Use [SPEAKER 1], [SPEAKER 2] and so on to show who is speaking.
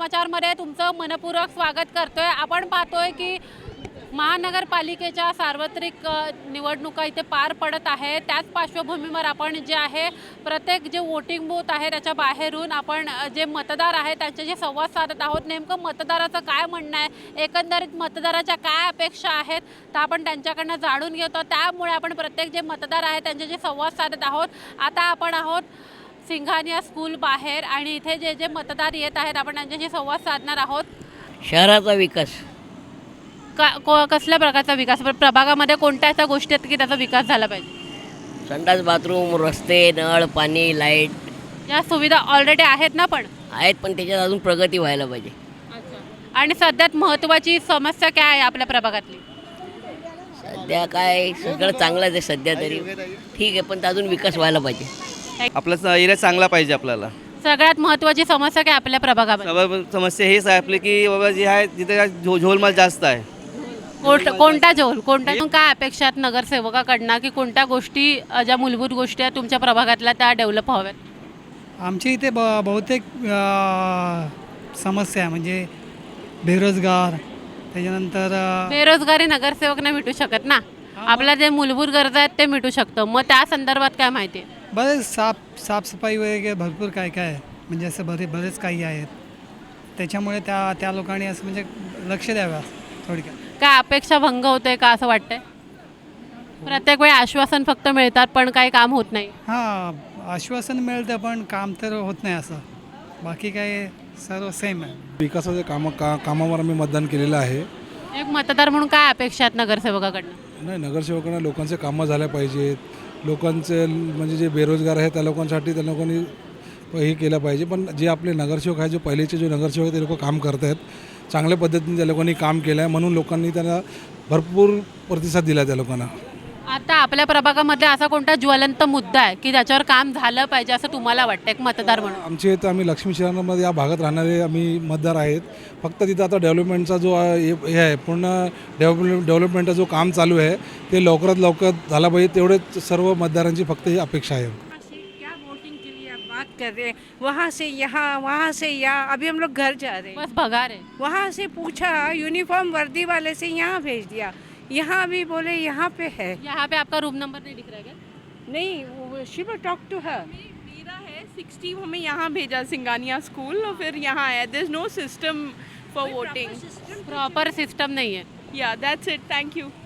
[SPEAKER 1] समाचारमध्ये तुमचं मनपूर्वक स्वागत करतोय। आपण पाहतोय की महानगरपालिकेच्या सार्वत्रिक निवडणुका इथे पार पडत आहे। त्याच पार्श्वभूमीवर आपण जे आहे प्रत्येक जे वोटिंग बूथ आहे त्याच्या बाहेरून आपण जे मतदार आहेत त्यांच्याशी संवाद साधत आहोत। नेमकं मतदाराचं काय म्हणणं आहे, एकंदरीत मतदाराच्या काय अपेक्षा आहेत तर आपण त्यांच्याकडनं जाणून घेतो। त्यामुळे आपण प्रत्येक जे मतदार आहेत त्यांच्याशी संवाद साधत आहोत। आता आपण आहोत सिंघानिया स्कूल बाहेर आणि इथे जे जे मतदार येत आहेत आपण त्यांच्याशी संवाद साधणार आहोत।
[SPEAKER 2] शहराचा विकास
[SPEAKER 1] कसल्या प्रकारचा विकास, प्रभागामध्ये कोणत्या अशा गोष्टी आहेत की त्याचा विकास झाला पाहिजे?
[SPEAKER 2] संडास बाथरूम रस्ते नळ पाणी लाईट
[SPEAKER 1] या सुविधा ऑलरेडी आहेत ना पण
[SPEAKER 2] आहेत, पण त्याच्यात अजून प्रगती व्हायला पाहिजे।
[SPEAKER 1] आणि सध्यात महत्त्वाची समस्या काय आहे आपल्या प्रभागातली?
[SPEAKER 2] सध्या काय सगळं चांगलंच आहे सध्या तरी ठीक आहे, पण अजून विकास व्हायला पाहिजे।
[SPEAKER 3] आपला एरिया चांगला पाहिजे। आपल्याला
[SPEAKER 1] सगळ्यात महत्त्वाची समस्या काय आपल्या प्रभागामध्ये?
[SPEAKER 3] समस्या हेच आहे आपली की बाबा जी आहे जिथे झोलमाल जास्त आहे।
[SPEAKER 1] कोणता जोल कोणत्या काय अपेक्षा आहेत नगरसेवकाकडनं की कोणत्या गोष्टी ज्या मूलभूत गोष्टी आहेत तुमच्या प्रभागातल्या त्या डेव्हलप व्हाव्यात?
[SPEAKER 4] आमच्या इथे बहुतेक समस्या म्हणजे बेरोजगार, त्याच्यानंतर
[SPEAKER 1] बेरोजगारी नगरसेवक नाही मिटू शकत ना, आपल्या जे मूलभूत गरजा आहेत ते मिटू शकतं। मग त्या संदर्भात काय माहिती आहे?
[SPEAKER 4] बरेच साफसफाई वगैरे भरपूर काय काय आहे, म्हणजे असं बरेच काही आहेत। त्याच्यामुळे त्या लोकांनी असं म्हणजे लक्ष द्यावं थोडक्यात।
[SPEAKER 1] काय अपेक्षा भंग होते का असं वाटतंय? प्रत्येक वेळी आश्वासन फक्त मिळतात पण काही काम होत नाही।
[SPEAKER 4] हां, आश्वासन मिळतं पण काम तर होत नाही, असं बाकी काय सर्व सेम आहे।
[SPEAKER 5] विकासाच्या कामावर आम्ही मतदान केलेलं आहे।
[SPEAKER 1] एक मतदार म्हणून काय अपेक्षा आहेत नगरसेवकाकडनं?
[SPEAKER 5] नाही, नगरसेवकांना लोकांचे कामं झाल्या पाहिजेत। लोकांचे म्हणजे जे बेरोजगार आहेत त्या लोकांसाठी त्या लोकांनी हे केलं पाहिजे। पण जे आपले नगरसेवक आहे, जे पहिलेचे जे नगरसेवक आहेत ते लोक काम करत आहेत, चांगल्या पद्धतीने त्या लोकांनी काम केलं आहे, म्हणून लोकांनी त्यांना भरपूर प्रतिसाद दिला त्या लोकांना।
[SPEAKER 1] आता आपल्या प्रभागामध्ये असा कोणता ज्वलंत मुद्दा आहे की त्याच्यावर काम झालं पाहिजे असं तुम्हाला वाटतं एक मतदार म्हणून?
[SPEAKER 5] आमच्या इथं आम्ही लक्ष्मी शहरामध्ये या भागात राहणारे आम्ही मतदार आहेत। फक्त तिथं आता डेव्हलपमेंटचा जो हे आहे पूर्ण डेव्हलपमेंटचा जो काम चालू आहे ते लवकरात लवकर झाला पाहिजे, तेवढेच सर्व मतदारांची फक्त ही अपेक्षा आहे।
[SPEAKER 6] क्या वोटिंग के लिए आप बात कर रहे हैं, वहाँ से यहाँ वहाँ से यहाँ, अभी हम लोग घर जा रहे हैं,
[SPEAKER 1] बस भगा रहे।
[SPEAKER 6] वहाँ से पूछा यूनिफॉर्म वर्दी वाले से यहाँ भेज दिया, यहाँ भी बोले यहाँ पे है।
[SPEAKER 1] यहाँ पे आपका रूम नंबर नहीं दिख रहा है क्या?
[SPEAKER 6] नहीं, she will talk to her.
[SPEAKER 7] मेरा है 60, हमें यहाँ भेजा सिंगानिया स्कूल और फिर यहाँ आया। There is no system for voting,
[SPEAKER 1] proper system नहीं है।
[SPEAKER 7] या दैट्स इट, थैंक यू।